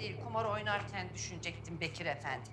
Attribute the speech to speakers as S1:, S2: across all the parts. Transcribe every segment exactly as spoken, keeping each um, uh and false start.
S1: değil, kumar oynarken düşünecektim Bekir Efendi.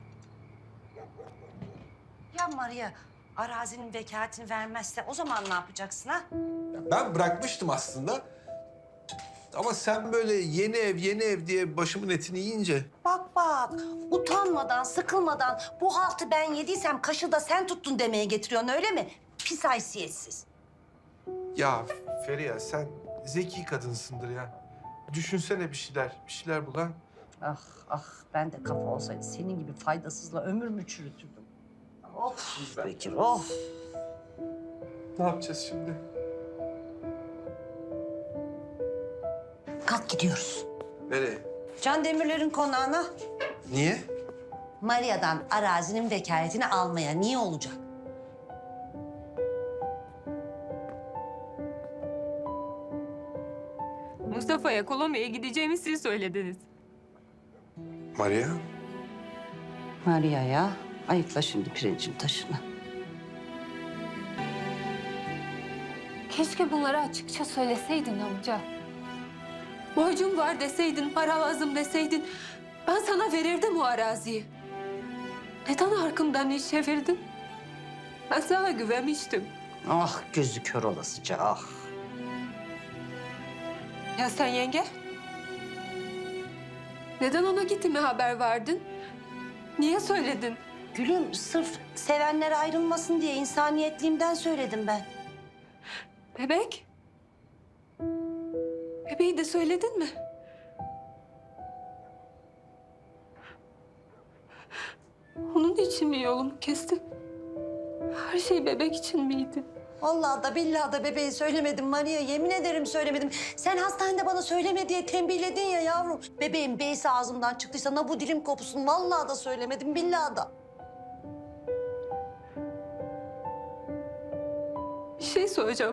S1: Ya Maria, arazinin vekaletini vermezse o zaman ne yapacaksın ha?
S2: Ya ben bırakmıştım aslında. Ama sen böyle yeni ev, yeni ev diye başımın etini yiyince...
S1: Bak bak, utanmadan, sıkılmadan bu haltı ben yediysem kaşı da sen tuttun demeye getiriyorsun öyle mi? Pis haysiyetsiz.
S2: Ya Feriha sen zeki kadınsındır ya. Düşünsene bir şeyler, bir şeyler bul ha.
S1: Ah ah, ben de kafa olsaydı senin gibi faydasızla ömür mü çürütürdüm? Of Bekir, of.
S2: Ne yapacağız şimdi?
S1: Kalk gidiyoruz.
S2: Nereye?
S1: Can Demirler'in konağına.
S2: Niye?
S1: Maria'dan arazinin vekaletini almaya. Niye olacak?
S3: Mustafa'ya Kolombiya'ya gideceğimi siz söylediniz.
S2: Maria?
S1: Maria'ya ayıkla şimdi pirincin taşını.
S3: Keşke bunları açıkça söyleseydin amca. Borcum var deseydin, para lazım deseydin... ben sana verirdim o araziyi. Neden arkamdan iş çevirdin? Ben sana güvenmiştim.
S1: Ah gözü kör olasıca ah.
S3: Ya sen yenge? Neden ona gittiğime haber verdin? Niye söyledin?
S1: Gülüm sırf sevenler ayrılmasın diye insaniyetliğimden söyledim ben.
S3: Bebek? Bebeği de söyledin mi? Onun için mi yolumu kestin? Her şey bebek için miydi?
S1: Vallahi da billahi da bebeği söylemedim Maria. Yemin ederim söylemedim. Sen hastanede bana söyleme diye tembihledin ya yavrum. Bebeğin beysi ağzımdan çıktıysa na bu dilim kopsun. Vallahi da söylemedim, billahi da.
S3: Bir şey soracağım.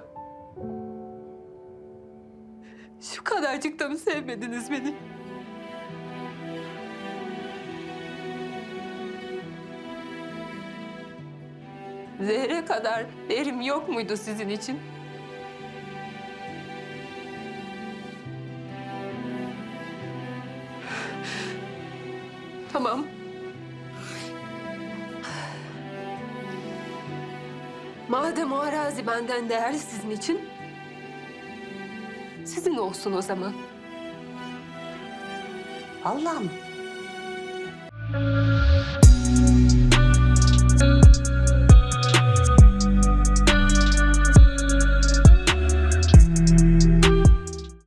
S3: Şu kadarcık da mı sevmediniz beni? Zehre kadar değerim yok muydu sizin için? Tamam. Madem o arazi benden değerli sizin için, sizin olsun o zaman.
S1: Vallahi mı?